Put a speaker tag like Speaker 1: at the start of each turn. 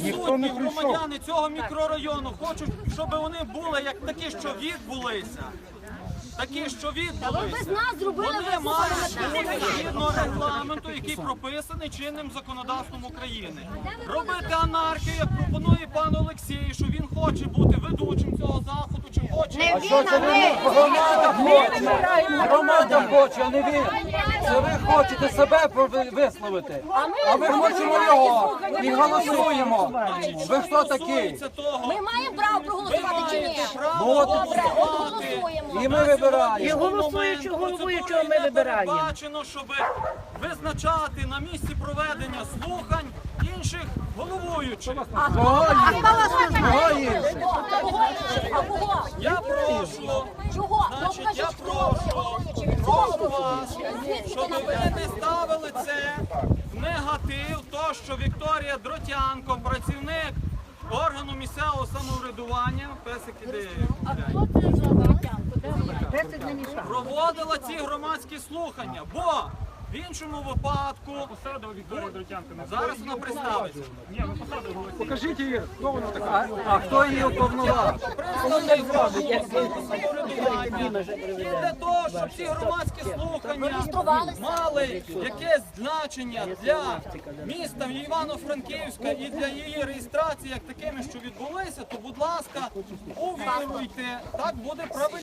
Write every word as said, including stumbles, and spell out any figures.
Speaker 1: присутні громадяни цього мікрорайону хочуть, щоб вони були як такі, що відбулися. Такі, що відбулися. Вони мають бути згідно регламенту, який прописаний чинним законодавством України. Робити анархію, як пропонує пан Олексій, що він хоче бути ведучим цього заходу, чи хоче.
Speaker 2: А що це ви? Громада хоче. Громада хоче, а не він. Це ви хочете себе висловити. А ми хочемо його і голосуємо. Ви хто такий?
Speaker 3: Ми маємо право проголосувати чи ні?
Speaker 2: Ну, от
Speaker 3: Добре, от голосуємо.
Speaker 2: і ми вибираємо.
Speaker 4: І голосуючого, головуючого ми вибираємо.
Speaker 1: Передбачено, щоб визначати на місці проведення слухань інших головуючих.
Speaker 3: А
Speaker 2: Кого
Speaker 3: кого
Speaker 2: інших?
Speaker 3: А кого?
Speaker 1: Я прошу,
Speaker 3: Чого?
Speaker 1: значить, я прошу, прошу вас, щоб ви не ставили це в негатив, то, що Вікторія Дротянко, працівник органу місцевого самоврядування, песик іде, проводила ці громадські слухання, бо в іншому випадку зараз вона представиться.
Speaker 2: Покажіть її, хто вона така. А хто її уповноважив?
Speaker 1: Представник органу самоврядування. І для того, щоб ці громадські слухання мали якесь значення для міста Івано-Франківська і для її реєстрації як такими, що відбулися, то, будь ласка, увіруйте, так буде правильно.